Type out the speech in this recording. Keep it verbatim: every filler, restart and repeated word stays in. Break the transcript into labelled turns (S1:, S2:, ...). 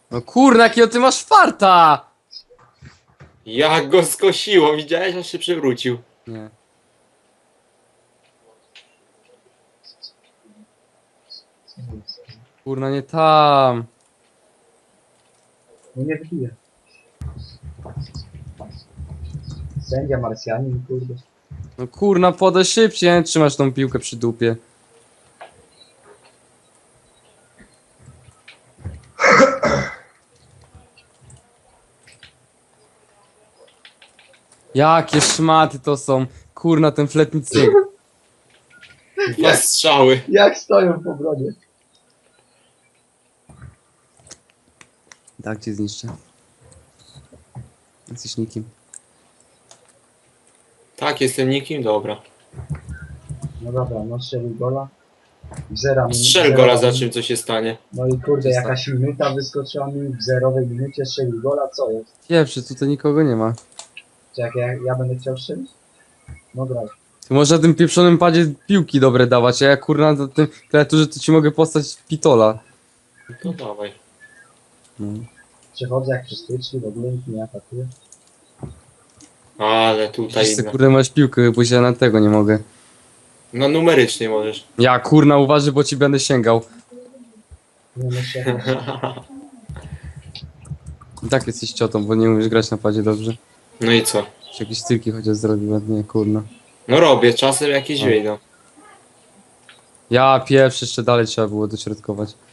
S1: No kurna, jakiego ty masz farta!
S2: Jak go skosiło, widziałeś, aż się przewrócił.
S1: Nie. Kurna, nie tam.
S3: No nie wbije. Sędzia Marsjanin, kurde.
S1: No kurna, podaj szybciej, nie trzymasz tą piłkę przy dupie. Jakie szmaty to są. Kurna, ten flet nic nie...
S2: Dwa strzały.
S3: Jak stoją po brodzie.
S1: Tak cię zniszczę. Jesteś nikim.
S2: Tak, jestem nikim, dobra.
S3: No dobra, no strzelił gola. Zera minut.
S2: Strzel gola, za czym co się stanie.
S3: No i kurde,
S1: Co
S3: jakaś minuta wyskoczyła mi w zerowej minucie, strzelił gola, co jest?
S1: Pierwszy, tutaj nikogo nie ma.
S3: Czy jak ja, ja będę chciał strzelić? No graj.
S1: Ty możesz na tym pieprzonym padzie piłki dobre dawać, a ja kurna na tym klawiaturze to ci mogę postać pitola.
S2: No dawaj.
S1: No.
S3: Przechodzę jak przy styczni, w ogóle nikt nie atakuje.
S2: Ale tutaj...
S1: Przecież ty kurde masz piłkę, bo ja na tego nie mogę.
S2: No numerycznie możesz.
S1: Ja kurna uważaj, bo ci będę sięgał.
S3: Nie myślę.
S1: I tak jesteś ciotą, bo nie umiesz grać na padzie dobrze.
S2: No i co?
S1: Czy jakieś stylki chociaż zrobił ładnie, kurna.
S2: No robię, czasem jakieś
S1: No.
S2: wyjdą.
S1: Ja pierwszy jeszcze dalej trzeba było dośrodkować.